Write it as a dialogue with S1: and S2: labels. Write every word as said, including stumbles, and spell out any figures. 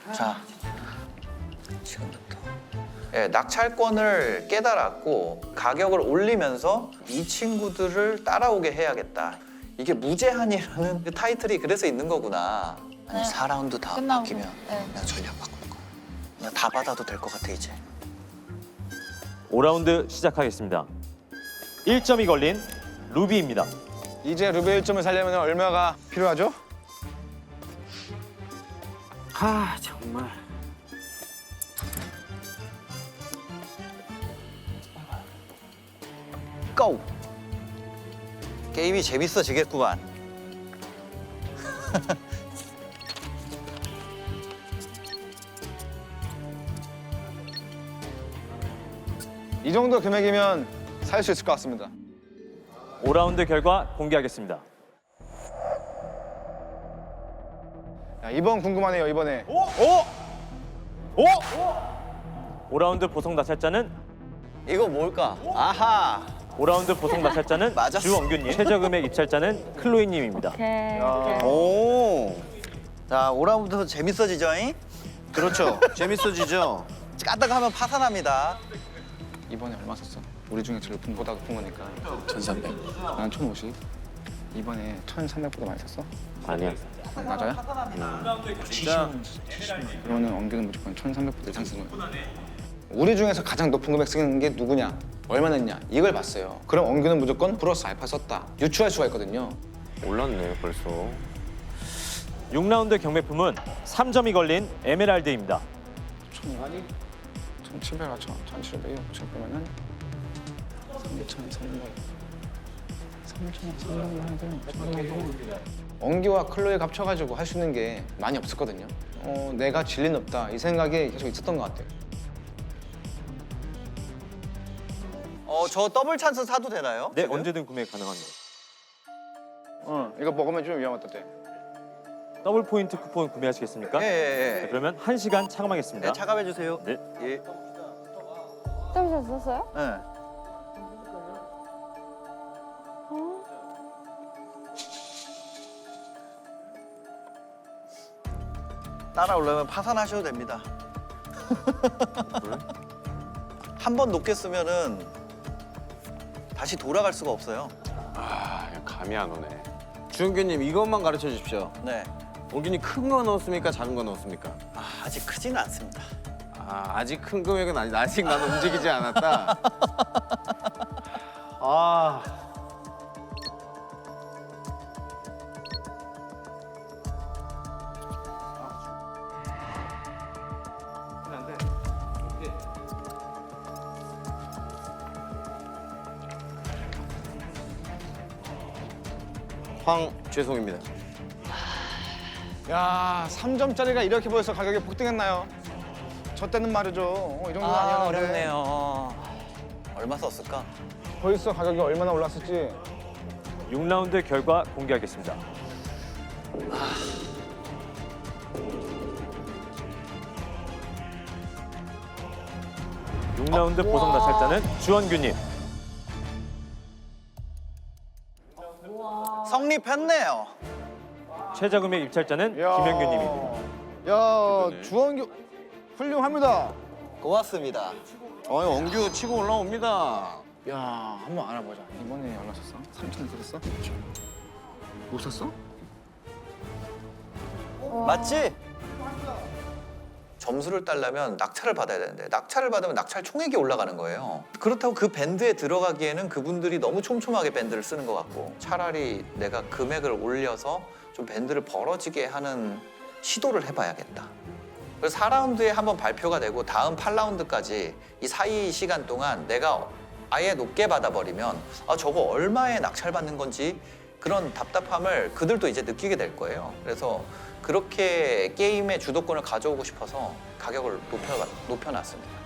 S1: 자, 지금부터. 예, 낙찰권을 깨달았고 가격을 올리면서 이 친구들을 따라오게 해야겠다. 이게 무제한이라는 그 타이틀이 그래서 있는 거구나. 아니,
S2: 네.
S1: 사 라운드 다
S2: 끝나고.
S1: 바뀌면
S2: 네.
S1: 내가 전략 바꿀 거야. 그냥 다 받아도 될 것 같아 이제.
S3: 오 라운드 시작하겠습니다. 일 점이 걸린 루비입니다.
S4: 이제 루베 일 점을 살려면 얼마가 필요하죠?
S5: 아 정말.
S1: 고! 게임이 재밌어지겠구만.
S4: 이 정도 금액이면 살 수 있을 것 같습니다.
S3: 오 라운드 결과 공개하겠습니다.
S4: 야, 이번 궁금하네요, 이번에.
S3: 오! 오! 오! 오 라운드 보석 낙찰자는
S1: 이거 뭘까? 아하!
S3: 오 라운드 보석 낙찰자는
S1: 맞았어.
S3: 주원규님, 최저금액 입찰자는 클로이님입니다.
S2: 오케이.
S1: 오! 자, 오 라운드 재밌어지죠잉?
S5: 그렇죠. 재밌어지죠.
S1: 까딱 하면 파산합니다.
S4: 이번에 얼마 썼어? 우리 중에 제일 높은 보다 높은 거니까.
S5: 천삼백.
S4: 난 천오십. 이번에 천삼백보다 많이 썼어?
S5: 아니야.
S4: 아, 맞아요?
S5: 진짜.
S4: 그러면 엄기는 무조건 천삼백보다 이상 쓴 거야. 우리 중에서 가장 높은 금액 쓰는 게 누구냐? 얼마 냈냐? 이걸 봤어요. 그럼 엄기는 무조건 플러스 알파 썼다. 유추할 수가 있거든요.
S5: 올랐네 벌써.
S3: 육 라운드 경매품은 삼 점이 걸린 에메랄드입니다.
S4: 천이가니? 천칠백, 천, 천칠백, 오천 빼면은 삼천, 삼백, 삼천, 삼백, 엄기와 클로이 합쳐가지고 할 수 있는 게 많이 없었거든요. 어, 내가 진리는 없다 이 생각이 계속 있었던 것 같아요.
S1: 어, 저 더블 찬스 사도 되나요?
S3: 네,
S1: 지금?
S3: 언제든 구매 가능합니다.
S4: 어, 이거 먹으면 좀 위험하다.
S3: 더블 포인트 쿠폰 구매하시겠습니까?
S1: 예, 예,
S3: 네,
S1: 예.
S3: 그러면 한 시간 차감하겠습니다.
S1: 네, 차감해 주세요.
S3: 네.
S1: 예.
S2: 더블 썼어요?
S1: 네. 따라오려면 파산하셔도 됩니다. 한 번 높게 쓰면은 다시 돌아갈 수가 없어요.
S5: 아 감이 안 오네. 주은규님 이것만 가르쳐 주십시오.
S1: 네.
S5: 원균이 큰 거 넣었습니까? 작은 거 넣었습니까?
S1: 아, 아직 크지는 않습니다.
S5: 아 아직 큰 금액은 아니. 아직 나는 움직이지 않았다. 아. 황 죄송입니다.
S4: 야, 삼 점짜리가 이렇게 보여서 가격이 폭등했나요? 저 때는 말이죠. 어, 이 정도는
S1: 아,
S4: 아니었는데.
S1: 어렵네요. 얼마 썼을까?
S4: 벌써 가격이 얼마나 올랐을지.
S3: 육 라운드 결과 공개하겠습니다. 육 라운드 보석 낙찰자는 주원규님.
S1: 성립했네요.
S3: 최저금액 입찰자는
S4: 야.
S3: 김현규님입니다.
S4: 야, 주원규 훌륭합니다.
S1: 고맙습니다.
S5: 어, 원규 치고 올라옵니다.
S4: 야, 한번 알아보자. 이번에 얼마 썼어? 삼천 썼어? 못 썼어?
S1: 맞지? 점수를 따려면 낙찰을 받아야 되는데 낙찰을 받으면 낙찰 총액이 올라가는 거예요. 그렇다고 그 밴드에 들어가기에는 그분들이 너무 촘촘하게 밴드를 쓰는 것 같고 차라리 내가 금액을 올려서 좀 밴드를 벌어지게 하는 시도를 해봐야겠다. 그래서 사 라운드에 한번 발표가 되고 다음 팔 라운드까지 이 사이 시간 동안 내가 아예 높게 받아버리면 아 저거 얼마에 낙찰받는 건지 그런 답답함을 그들도 이제 느끼게 될 거예요. 그래서 그렇게 게임의 주도권을 가져오고 싶어서 가격을 높여, 높여놨습니다.